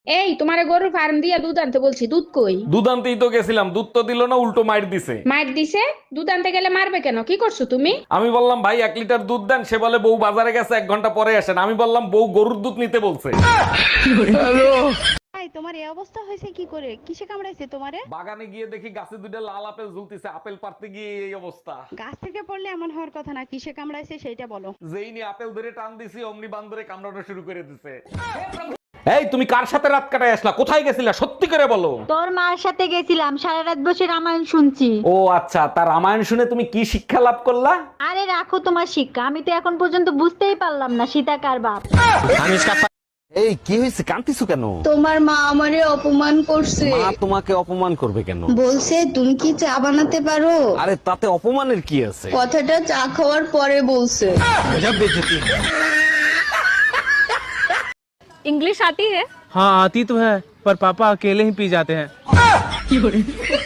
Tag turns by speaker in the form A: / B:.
A: এই তোমারে গরুর ফার্ম দিয়া দুধ আনতে বলছি, দুধ কই?
B: দুধ আনতেই তো গেছিলাম, দুধ তো দিল না, উল্টো মাইর দিছে।
A: মাইর দিছে? দুধ আনতে গেলে মারবে কেন? কি করছো তুমি?
B: আমি বললাম ভাই 1 লিটার দুধ দেন, সে বলে বউ বাজারে গেছে 1 ঘন্টা পরে আসেন। আমি বললাম বউ গরুর দুধ নিতে বলছে।
C: ভাই তোমার এই অবস্থা হয়েছে কি করে? কিসে কামড়াইছে তোমারে?
B: বাগানে গিয়ে দেখি গাছে 2টা লাল আপেল ঝুলতেছে, আপেল পারতে গিয়ে এই অবস্থা।
C: গাছ থেকে পড়লে এমন হওয়ার কথা না, কিসে কামড়াইছে সেইটা বলো।
B: যেই নিয়ে আপেল ধরে টান দিছি অমনি বান্দরে কামড়ানো শুরু করে দিছে। এই তুমি কার সাথে রাত কাটায় আসলা? কোথায় গেছিলা সত্যি করে বলো।
D: তোর মার সাথে গেছিলাম, সারা রাত বসে রামায়ণ শুনছি।
B: ও আচ্ছা, তার রামায়ণ শুনে তুমি কি শিক্ষা লাভ করলা?
D: আরে রাখো তোমার শিক্ষা, আমি তো এখন পর্যন্ত বুঝতেই পারলাম না সীতা কার বাপ।
B: এই কি হয়েছে, কাঁদতেছো কেন?
E: তোমার মা আমারে অপমান করছে।
B: মা তোমাকে অপমান করবে কেন?
E: বলছে তুমি কি চা বানাতে পারো।
B: আরে তাতে অপমানের কি আছে?
E: কথাটা চা খাওয়ার পরে বলছে।
F: इंग्लिश आती है?
G: हाँ आती तो है, पर पापा अकेले ही पी जाते हैं।